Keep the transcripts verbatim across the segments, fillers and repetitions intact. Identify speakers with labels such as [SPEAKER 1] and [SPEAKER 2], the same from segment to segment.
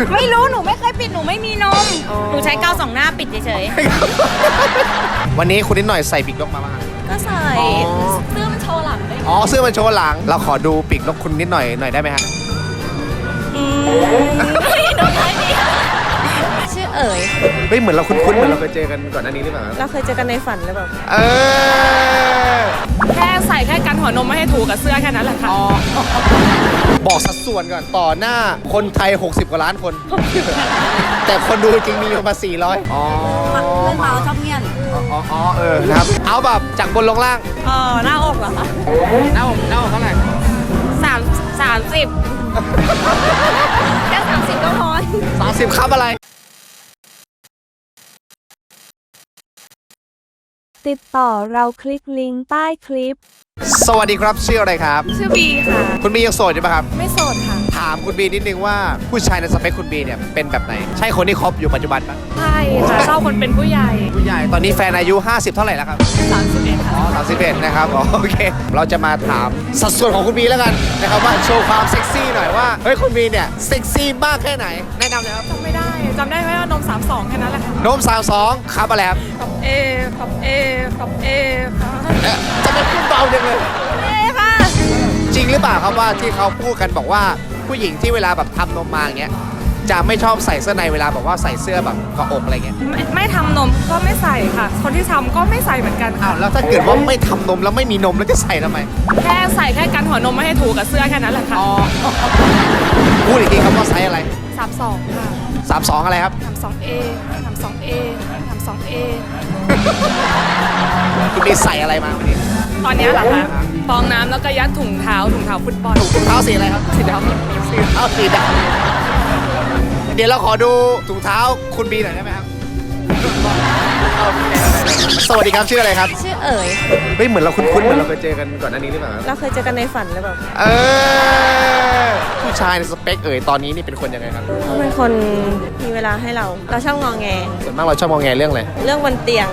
[SPEAKER 1] ไม่รู้หนูไม่เคยปิดหนูไม่มีนมหนูใช้กาวสองหน้าปิดเฉย
[SPEAKER 2] วันนี้คุณนิดหน่อยใส่ปีกนกมาบ้าง
[SPEAKER 1] ๆก็ใส่เสื้อมันโชว์หลังเลย
[SPEAKER 2] อ๋อเสื้อมันโชว์หลังเราขอดูปีกนกคุณนิดหน่อยหน่อยได้ไหมฮะ
[SPEAKER 1] อืมไม่โดนอะไรเนี่ยชื่อเอ๋ย
[SPEAKER 2] เฮ้ยเหมือนเราคุ้นๆเหมือนเราเคยเจอกันก่อนหน้านี้หรือเปล่า
[SPEAKER 1] เราเคยเจอกันในฝันหรือเปล่า
[SPEAKER 2] เออ
[SPEAKER 3] แค่ใส่แค่กันหัวนมไม่ให้ถูกกับเสื้อแค่นั้นแหละค่ะ
[SPEAKER 2] บอกสัดส่วนก่อนต่อหน้าคนไทยหกสิบกว่าล้านคน แต่คนดูจริงมีประมาณสี่ร้อยอ๋อ
[SPEAKER 1] เพื่อนเมาชอบเงียน
[SPEAKER 2] อ๋ออ๋อเออนะครับเอาแบบจากบนลงล่าง
[SPEAKER 3] เออหน้าอกเหรอคะ
[SPEAKER 2] หน้าอกหน้าอกเท่าไหร่
[SPEAKER 3] สามสามสิบ
[SPEAKER 1] แค่สามสิบก็พอ
[SPEAKER 2] สามสิบครับอะไร
[SPEAKER 4] ติดต่อเราคลิกลิงก์ใต้คลิป
[SPEAKER 2] สวัสดีครับชื่ออะไรครับ
[SPEAKER 3] ชื่อบีค่ะ
[SPEAKER 2] คุณบียังโสดอยู่ปะครับ
[SPEAKER 3] ไม่โสดค่ะ
[SPEAKER 2] ถามคุณบีนิดนึงว่าผู้ชายในสเปคคุณบีเนี่ยเป็นแบบไหน ใช่คนที่คบอยู่ปัจจุบันปะ
[SPEAKER 3] ใช่ค่ะชอบคนเป็นผู้ใหญ่
[SPEAKER 2] ผู้ใหญ่ตอนนี้แฟนอายุห้าสิบเท่าไหร่แล้วครับ
[SPEAKER 3] สามสิบเอ็ดค่ะ
[SPEAKER 2] อ๋อสามสิบเอ็ดนะครับอ๋อโอเค เราจะมาถามสัดส่วนของคุณบีแล้วกันนะครับว่าโชว์ความเซ็กซี่หน่อยว่าเฮ้ยคุณบีเนี่ยเซ็กซี่มากแค่ไหนแนะนำเลยครับ
[SPEAKER 3] จำไม่ได้จำได้ไหมว่านมสามสองแค่นั้นแหละค่ะ
[SPEAKER 2] โน้มสาวสองครับอะไรครับ
[SPEAKER 3] กับเอกับเอกับเอค่ะ
[SPEAKER 2] เอ๊ะจะเป็นพูดเบาจังเลย
[SPEAKER 1] เอ้ค่ะ
[SPEAKER 2] จริงหรือเปล่าครับว่าที่เขาพูดกันบอกว่าผู้หญิงที่เวลาแบบทำนมมาอย่างเงี้ยจะไม่ชอบใส่เสื้อในเวลาแบบว่าใส่เสื้อแบบเกาะอกอะไรเงี้ย
[SPEAKER 3] ไม่ไม่ทำนมก็ไม่ใส่ค่ะ คนที่ทำก็ไม่ใส่เหมือนกัน
[SPEAKER 2] อ้า
[SPEAKER 3] ค่ะ
[SPEAKER 2] วแล้วถ้าเกิดว่าไม่ทำนมแล้วไม่มีนมแล้วจะใส่ทำไม
[SPEAKER 3] แค่ใส่แค่กันหัวนมไม่ให้ถูกกับเสื้อแค่นั้นแหละค่ะ
[SPEAKER 2] พูดอีกทีครับว่าไซส์อะไร
[SPEAKER 3] สามสองค่ะ
[SPEAKER 2] สามสองอะไรครับ
[SPEAKER 3] ทำสองเอทำสองเอทำสองเอ
[SPEAKER 2] คุณมีใส่อะไรมาวันนี้
[SPEAKER 3] ตอนนี้เหรอคะฟองน้ำแล้วก็ยัดถุงเท้าถุงเท้าฟุตบอล
[SPEAKER 2] ถุงเท้าสีอะไรครับ
[SPEAKER 3] สีด
[SPEAKER 2] สีเท้าสีดำเดี๋ยวเราขอดูถุงเท้าคุณบีหน่อยได้ไหมครับสวัสดีครับชื่ออะไรครับ
[SPEAKER 1] ชื่อเอ๋ย
[SPEAKER 2] เฮ้ยเหมือนเราคุ้นๆเหมือนเราเคยเจอกันก่อนหน้านี้หรือเปล่า
[SPEAKER 1] เราเคยเจอกันในฝันหรือเปล่า
[SPEAKER 2] เออผู้ชายในสเปคเอ่ยตอนนี้นี่เป็นคนยังไงครับ
[SPEAKER 1] เขาเป็นคนมีเวลาให้เรา เราชอบงอแง
[SPEAKER 2] ส่วนมากเราชอบมองแงเรื่องอะไร
[SPEAKER 1] เรื่องบนเตียง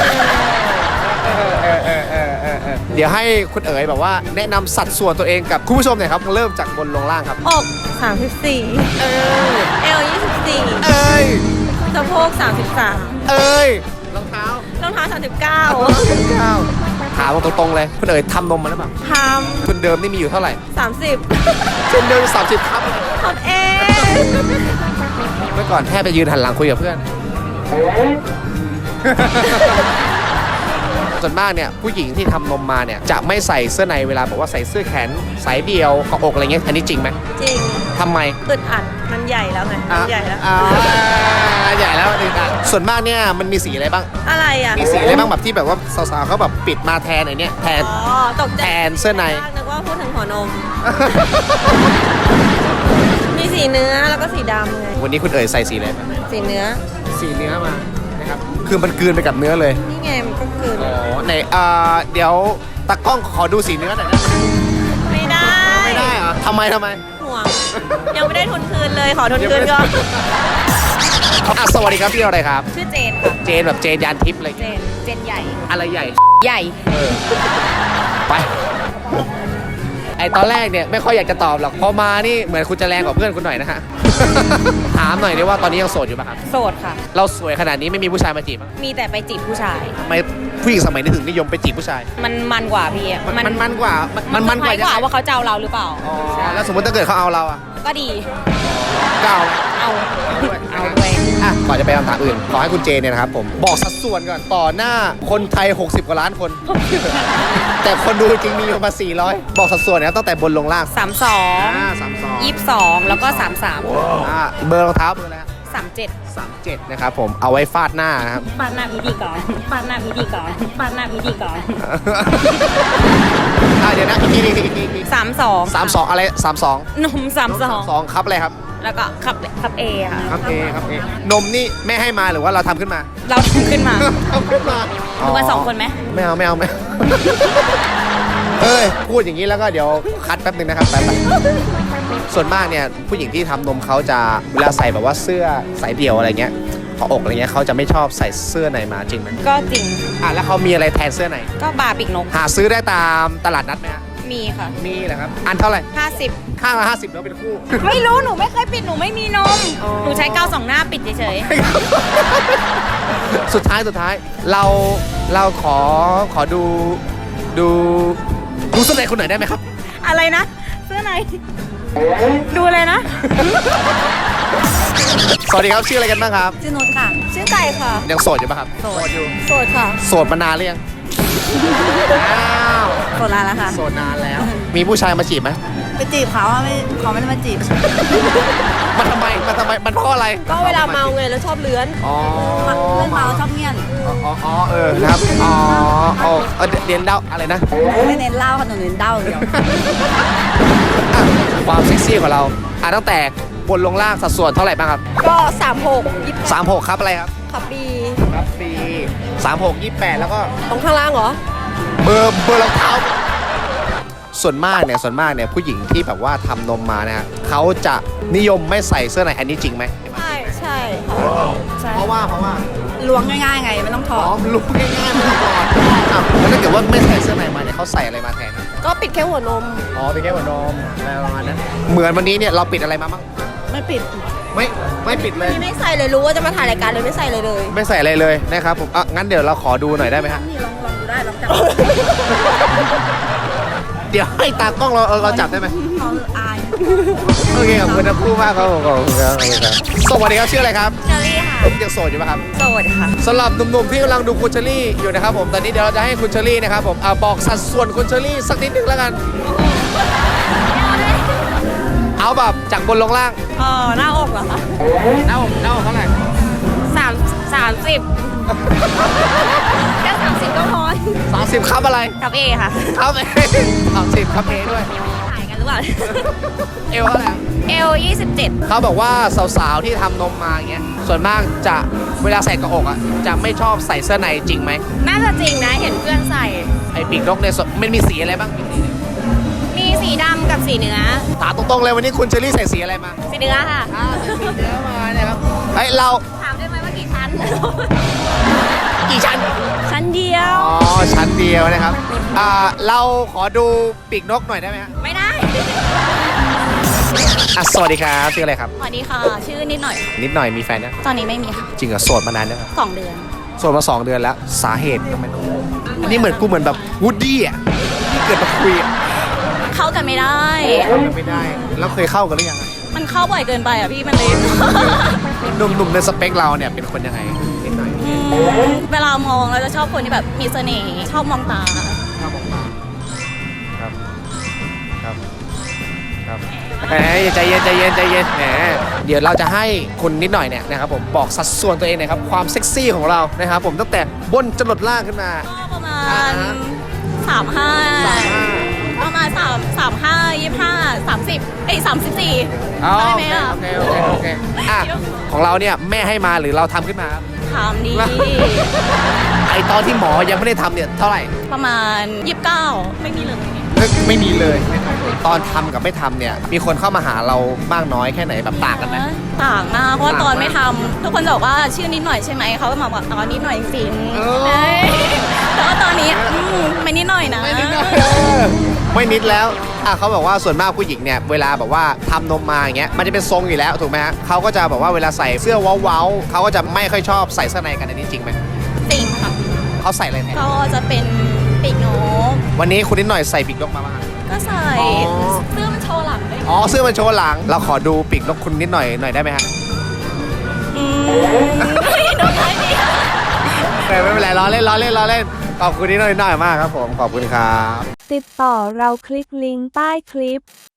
[SPEAKER 2] เดี๋ยวให้คุณเอ๋ยแบบว่าแนะนำสัดส่วนตัวเองกับคุณผู้ชมหน่อยครับเริ่มจากบนลงล่างครับ
[SPEAKER 1] อกสามสิบสี่เออเอลยี่สิบสี่
[SPEAKER 2] เอ้ย
[SPEAKER 1] สะโพกสามสิบสาม
[SPEAKER 2] เอ้ยรองเท้าร
[SPEAKER 1] องเท้าสามสิบเก้า
[SPEAKER 2] ก้าวถามตรงๆเลยคุณเอ๋ยทำนมมาหรือเปล่า
[SPEAKER 1] ท
[SPEAKER 2] ทุนเดิมนี่มีอยู่เท่าไหร่
[SPEAKER 1] ำสามสิบ
[SPEAKER 2] ทุนเดิมสามสิบครับ
[SPEAKER 1] ทำเอง
[SPEAKER 2] เมื่อก่อนแทบไปยืนหันหลังคุยกับเพื่อน ส่วนมากเนี่ยผู้หญิงที่ทำนมมาเนี่ยจะไม่ใส่เสื้อในเวลาบอกว่าใส่เสื้อแขนสายเดียวเกาะอกอะไรเงี้ยอันนี้จริงไหม
[SPEAKER 1] จริง
[SPEAKER 2] ทำไม
[SPEAKER 1] อึดอัดมันใหญ่แล้วไงมันใหญ่แล้ว
[SPEAKER 2] อ่าใหญ่แล้วนี่นะส่วนมากเนี่ยมันมีสีอะไรบ้าง
[SPEAKER 1] อะไรอ่ะ
[SPEAKER 2] มีสีอะไรบ้างแบบที่แบบว่าสาวๆเขาแบบปิดมาแทนไอ้เนี่ยแทน
[SPEAKER 1] อ๋อตกใจ
[SPEAKER 2] แทนเสื้อใน
[SPEAKER 1] นึกว่าพูดถึงหัวนม มีสีเนื้อแล้วก็สีดำไง
[SPEAKER 2] วันนี้คุณเอ๋ยใส่สีอะไรมา
[SPEAKER 1] สีเนื้อ
[SPEAKER 2] สีเนื้อมานะครับคือมันกลืนไปกับเนื้อเลย
[SPEAKER 1] นี่ไงมันก็คือ
[SPEAKER 2] อ๋อไหนอ่าเดี๋ยวตากล้องขอดูสีเนื้อหน่อยนะ
[SPEAKER 1] ไม่ได้
[SPEAKER 2] ไม่ได้เหรอทำไมทำไม
[SPEAKER 1] ห่วง ยังไม่ได้ทุนคืนเลยขอทุนคืนก่อน
[SPEAKER 2] อ่ะสวัสดีครับพี่อะไรครับ
[SPEAKER 1] ชื่อเจนค่ะ
[SPEAKER 2] เจนแบบเจนยานทิพย์อะไร
[SPEAKER 1] เจน เจนใหญ่
[SPEAKER 2] อะไรใหญ่
[SPEAKER 1] ใหญ่
[SPEAKER 2] เออไปไอตอนแรกเนี่ยไม่ค่อยอยากจะตอบหรอกพอมานี่เหมือนคุณจะแรงกว่าเพื่อนคุณหน่อยนะฮะ ถามหน่อยดิว่าตอนนี้ยังโสดอยู่ป่ะครับ
[SPEAKER 1] โสดค่ะ
[SPEAKER 2] เราสวยขนาดนี้ไม่มีผู้ชายมาจีบมั้ง
[SPEAKER 1] มีแต่ไปจีบผู้ชาย
[SPEAKER 2] ทำไมผู้หญิงสมัยนี้ถึงนิยมไปจีบผู้ชาย
[SPEAKER 1] มันมันกว่าพี่อะ
[SPEAKER 2] มันมันมันกว่ามันมันมันกว่า
[SPEAKER 1] คล้ยกว่า
[SPEAKER 2] ยังไง
[SPEAKER 1] ว่าเขาจะเอาเราหรือเปล่า
[SPEAKER 2] อ๋อแล้วสมมติถ้าเกิดเขาเอาเราอะ
[SPEAKER 1] ก็ดี
[SPEAKER 2] ก็เอา
[SPEAKER 1] เอา
[SPEAKER 2] ด้วย
[SPEAKER 1] เอาด้วย
[SPEAKER 2] อ่ะก่อนจะไปคำถามอื่น ขอให้คุณเจเนี่ยนะครับผม บอกสัดส่วนก่อน ต่อหน้าคนไทย หกสิบ กว่าล้านคน แต่คนดูจริงมีประมาณสี่ร้อย บอกสัดส่วนนะครับตั้งแต่บนลงล่าง
[SPEAKER 1] สามสอง
[SPEAKER 2] อ่าสามสอง
[SPEAKER 1] ยี่สิบสองแล้วก็สามสาม
[SPEAKER 2] อ่าเบอร์รองเท้าเบอร์อะไรครับ
[SPEAKER 1] สามเจ็ด
[SPEAKER 2] สามเจ็ดนะครับผม เอาไว้ฟาดหน้านะครับ
[SPEAKER 1] ปาดหน้าพิธีกรปาดหน้าพิธีกรปาดหน้าพิธีกร
[SPEAKER 2] อ่าเดี๋ยวนะอีกทีอีกทีอีกทีอีกที
[SPEAKER 1] สามสอง
[SPEAKER 2] สามสองอะไรสามสอง
[SPEAKER 1] นมสามสอง
[SPEAKER 2] สองครับอะไรครับ
[SPEAKER 1] แล้วก็ขับขับเอค่ะ
[SPEAKER 2] ครับเอครับเอนมนี่แม่ให้มาหรือว่าเราทำขึ้นมา
[SPEAKER 1] เราทำขึ้นมา
[SPEAKER 2] ทำขึ้นมา
[SPEAKER 1] ดูกันสองคนไหม
[SPEAKER 2] ไม่เอาไม่เอาไม่เอา เอ้ยพูดอย่างนี้แล้วก็เดี๋ยวคัดแป๊บนึงนะครับแป๊บๆส่วนมากเนี่ยผู้หญิงที่ทำนมเขาจะเวลาใส่แบบว่าเสื้อสายเดี่ยวอะไรเงี้ยเกาะอกอะไรเงี้ยเขาจะไม่ชอบใส่เสื้อในมาจริงไหม
[SPEAKER 1] ก็จริง
[SPEAKER 2] อ่ะแล้วเขามีอะไรแทนเสื้อใน
[SPEAKER 1] ก็บาร์ปีกนก
[SPEAKER 2] หาซื้อได้ตามตลาดนัดไหมฮะ
[SPEAKER 1] มีค่ะ
[SPEAKER 2] มีเหรอครับอันเท่าไหร่
[SPEAKER 1] ห้าสิบ
[SPEAKER 2] ข้างละห้าสิบแล้วเป็นคู่
[SPEAKER 1] ไม่รู้หนูไม่เคยปิดหนูไม่มีนม หนูใช้กาวสองหน้าปิดเฉย
[SPEAKER 2] สุดท้ายสุดท้ายเราเราขอขอดูดูดูเสื้อในคนไหนอยได้ไหมครับ
[SPEAKER 1] ๆอะไรนะเสื้อในดูเลยนะ
[SPEAKER 2] สวัสดีครับชื่ออะไรกันบ้างครับ
[SPEAKER 1] ชื่อนุชค่ะ ชื่อไก่ค่ะ
[SPEAKER 2] ยังโสดอยู่ปะครับ
[SPEAKER 1] โสด
[SPEAKER 2] อยู่
[SPEAKER 1] โสดค่ะ
[SPEAKER 2] โสดมานานหรือยังอ้าว
[SPEAKER 1] โสดนานแล้วค่ะ
[SPEAKER 2] โสดนานแล้ว มีผู้ชายมาจีบไหม
[SPEAKER 1] ไปจีบเขาอะไม่เขาไม่ได้มาจีบ
[SPEAKER 2] มันทำไมมันทำไมมันเพราะอะไร
[SPEAKER 1] ก็เวลาเมาไงแล้วชอบเลื้อน
[SPEAKER 2] อ๋อ
[SPEAKER 1] เพื่อนเมาชอบเงียน
[SPEAKER 2] อ๋ออ๋ออ๋อเออนะครับอ๋ออ๋อเออเรียนเดาอะไรนะ
[SPEAKER 1] ไม่เน้นเหล้าค่ะหนูเน้นเด้าอย่างเดียว
[SPEAKER 2] อ่ะความเซ็กซี่ของเราอ่ะตั้งแต่บนลงล่างสัดส่วนเท่าไหร่บ้างครับ
[SPEAKER 1] ก็สามหกยี่สิบ
[SPEAKER 2] สามหกครับอะไรครับ
[SPEAKER 1] ขับบี
[SPEAKER 2] ครับปีสามหกยี่แปดแล้วก็
[SPEAKER 1] ตรงข้างล่างเหรอ
[SPEAKER 2] เบอร์เบอร์รองเท้า ส่วนมากเนี่ยส่วนมากเนี่ยผู้หญิงที่แบบว่าทำนมมานะฮะเขาจะนิยมไม่ใส่เสื้อในอันนี้จริงไหม
[SPEAKER 1] ใช่ใช่ค่ะใช่
[SPEAKER 2] เพราะว่าเพราะว่า
[SPEAKER 1] ล้วงง่ายๆไงไม่ต้องถ
[SPEAKER 2] อ๋
[SPEAKER 1] อ
[SPEAKER 2] อ
[SPEAKER 1] ด
[SPEAKER 2] ลุกง่ายๆไม่ต้องก่อนอ้าวแล้วถ้าเกิดว่าไม่ใส่เสื้อในมาเนี่ยเขาใส่อะไรมาแทน
[SPEAKER 1] ก็ปิดแค่หัวนม
[SPEAKER 2] อ๋อเป็นแค่หัวนมอะไรประมาณนั้นเหมือนวันนี้เนี่ยเราปิดอะไรมาบ้าง
[SPEAKER 1] ไม่ปิด
[SPEAKER 2] ไม่ไม่ปิดเลย
[SPEAKER 1] นี่ไม่ใส่เลยรู้ว่าจะมาถ่ายรายการเลยไม่ใส่เลยเลย
[SPEAKER 2] ไม่ใส่อะไรเลยนะครับผมอ่ะงั้นเดี๋ยวเราขอดูหน่อยได้ไหมฮะ
[SPEAKER 1] นี่ลองลองดูได้ลองจับ
[SPEAKER 2] เดี๋ยวให้ตากล้องเราเราเราจับได้ไหม
[SPEAKER 1] เขาอาย
[SPEAKER 2] โอเคขอบคุณทั้งคู่มากครับผมขอบคุณครับขอบคุณครับสวัสดีครับชื่ออะไรครับ
[SPEAKER 1] เชอรี่ค่ะ
[SPEAKER 2] ยังโสดอยู่ไหมครับ
[SPEAKER 1] โสดค่ะ
[SPEAKER 2] สำหรับหนุ่มๆที่กำลังดูคุณเชอรี่อยู่นะครับผมตอนนี้เดี๋ยวเราจะให้คุณเชอรี่นะครับผมอ่ะบอกสัดส่วนคุณเชอรี่สักนิดนึงแล้วกัน เอาแบบจากบนลงล่าง
[SPEAKER 1] เออหน้าอกเหรอคะ
[SPEAKER 2] หน้าอกหน้าอกเท่าไหร่
[SPEAKER 1] สามสามสิบแค่สามสิบก็พอ
[SPEAKER 2] สามสิบครับอะไร
[SPEAKER 1] กับเอค่ะ
[SPEAKER 2] ครับเอสามสิบครับเอด้วย
[SPEAKER 1] ถ่ายกันหรือเปล่า
[SPEAKER 2] เอวเท่าไหร่
[SPEAKER 1] เอลยี่สิบเจ็ด
[SPEAKER 2] เขาบอกว่าสาวๆที่ทำนมมาอย่างเงี้ยส่วนมากจะเวลาใส่กระอกอ่ะจะไม่ชอบใส่เสื้อในจริงไหม
[SPEAKER 1] น่าจะจริงนะเห็นเพื่อนใส่
[SPEAKER 2] ไอ้ปีกนกเนี่ยส่วนมันมีสีอะไรบ้างปีกนี้เนี่ย
[SPEAKER 1] มีสีดำกับสีเนื้อ
[SPEAKER 2] ถามตรงๆเลยวันนี้คุณเชอรี่ใส่สีอะไรมา
[SPEAKER 1] สีเนื้อค่ะ
[SPEAKER 2] อ่าใส่สีเนื้อมาเนี่ยครับเฮ้ยเรา
[SPEAKER 1] ถามได้ไหมว่ากี่ชั้น
[SPEAKER 2] กี่ชั้น
[SPEAKER 1] ชั้นเดียว
[SPEAKER 2] อ๋อชั้นเดียวนะครับอ่าเราขอดูปีกนกหน่อยได้ไหมฮะ
[SPEAKER 1] ไม่ได้
[SPEAKER 2] อ่ะสวัสดีครับชื่ออะไรครับ
[SPEAKER 1] สวัสดีค่ะ ชื่อนิดหน่อย
[SPEAKER 2] นิดหน่อยมีแฟนนะ
[SPEAKER 1] ตอนนี้ไม่มีค่ะ
[SPEAKER 2] จริงเหรอโสดมานานแล้วครับ
[SPEAKER 1] สองเดือน
[SPEAKER 2] โสดมาสองเดือนแล้วสาเหตุทำไมต้องอันนี้เหมือนกูเหมือนแบบวูดดี้อ่ะที่เกิดมาคุยอะ
[SPEAKER 1] เข้ากันไม่ได้
[SPEAKER 2] เข้ากันไม่ได้แล้วเคยเข้ากันหรือยังอะ
[SPEAKER 1] มันเข้าบ่อยเกินไปอ่ะพี่มันเลย
[SPEAKER 2] หนุ่มๆในสเปคเราเนี่ยเป็นคนยังไงนิดหน่อย
[SPEAKER 1] อืมเวลามองเราจะชอบคนที่แบบมีเสน่ห์ชอบมองตา
[SPEAKER 2] ชอบมองตาครับครับครับแหมใจเย็นใจเย็นใจเย็นแหมเดี๋ยวเราจะให้คุณนิดหน่อยเนี่ยนะครับผมบอกสัดส่วนตัวเองหน่อยครับความเซ็กซี่ของเรานะครับผมตั้งแต่บนจรดล่างขึ้นมา
[SPEAKER 1] ก็ประมา
[SPEAKER 2] อ่า
[SPEAKER 1] ณ
[SPEAKER 2] ฮะ
[SPEAKER 1] สามห้า
[SPEAKER 2] สามห้า
[SPEAKER 1] ประมาณสามสามห้ายี่ห้าสามสิบเอ้ยสามสิบสี่
[SPEAKER 2] อ๋อ
[SPEAKER 1] ได้
[SPEAKER 2] โอ
[SPEAKER 1] ไหม
[SPEAKER 2] เค
[SPEAKER 1] อ่ะ
[SPEAKER 2] โอเคโอเคโอเคอ่ะของเราเนี่ยแม่ให้มาหรือเราทำขึ้นมาครับ
[SPEAKER 1] ถามดี
[SPEAKER 2] ไอตอนที่หมอยังไม่ได้ทำเนี่ยเท่าไหร่
[SPEAKER 1] ประมาณยี่สิบเก้าไม่มีเลย
[SPEAKER 2] ไม่มีเลย ตอนทำกับไม่ทำเนี่ย มีคนเข้ามาหาเรามากน้อยแค่ไหนแบบต่างกันไหม
[SPEAKER 1] ต่างมากเพราะว่า
[SPEAKER 2] ต่างมาก
[SPEAKER 1] ตอนไม่ทำทุกคนจะบอกว่าชื่อนิดหน่อยใช่ไหมเขาก็มาบอกตอนนิดหน่อยจริง
[SPEAKER 2] เออ
[SPEAKER 1] เอ้ยแต่ว่าตอนนี้อืมไม่นิดหน่อยนะ
[SPEAKER 2] ไม่นิดแล้วไม่นิดแล้วอ่ะเขาบอกว่าส่วนมากผู้หญิงเนี่ยเวลาแบบว่าทำนมมาอย่างเงี้ยมันจะเป็นทรงอยู่แล้วถูกไหมฮะเขาก็จะแบบว่าเวลาใส่เสื้อเว้าๆเขาก็จะไม่ค่อยชอบใส่เสื้อในกันอันนี้จริงไหม
[SPEAKER 1] จริงค่ะ
[SPEAKER 2] เขาใส่อะไรแทน
[SPEAKER 1] ก็จะเป็นปีกนก
[SPEAKER 2] วันนี้คุณนิดหน่อยใส่ปีกนกมาบ้างครับ
[SPEAKER 1] ก็ใส่
[SPEAKER 2] อ๋อ
[SPEAKER 1] เสื้อมันโชว์หลังด้วย
[SPEAKER 2] อ๋อเสื้อมันโชว์หลัง เราขอดูปีกนกคุณนิดหน่อยหน่อยได้ไหมฮะ
[SPEAKER 1] อืมนกไทยดีค่ะ
[SPEAKER 2] ไม่เป็นไรล้อเล่นล้อเล่นล้อเล่นขอบคุณนิดหน่อยหน่อยมากครับผมขอบคุณครับ
[SPEAKER 4] ติดต่อเราคลิกลิงก์ใต้คลิป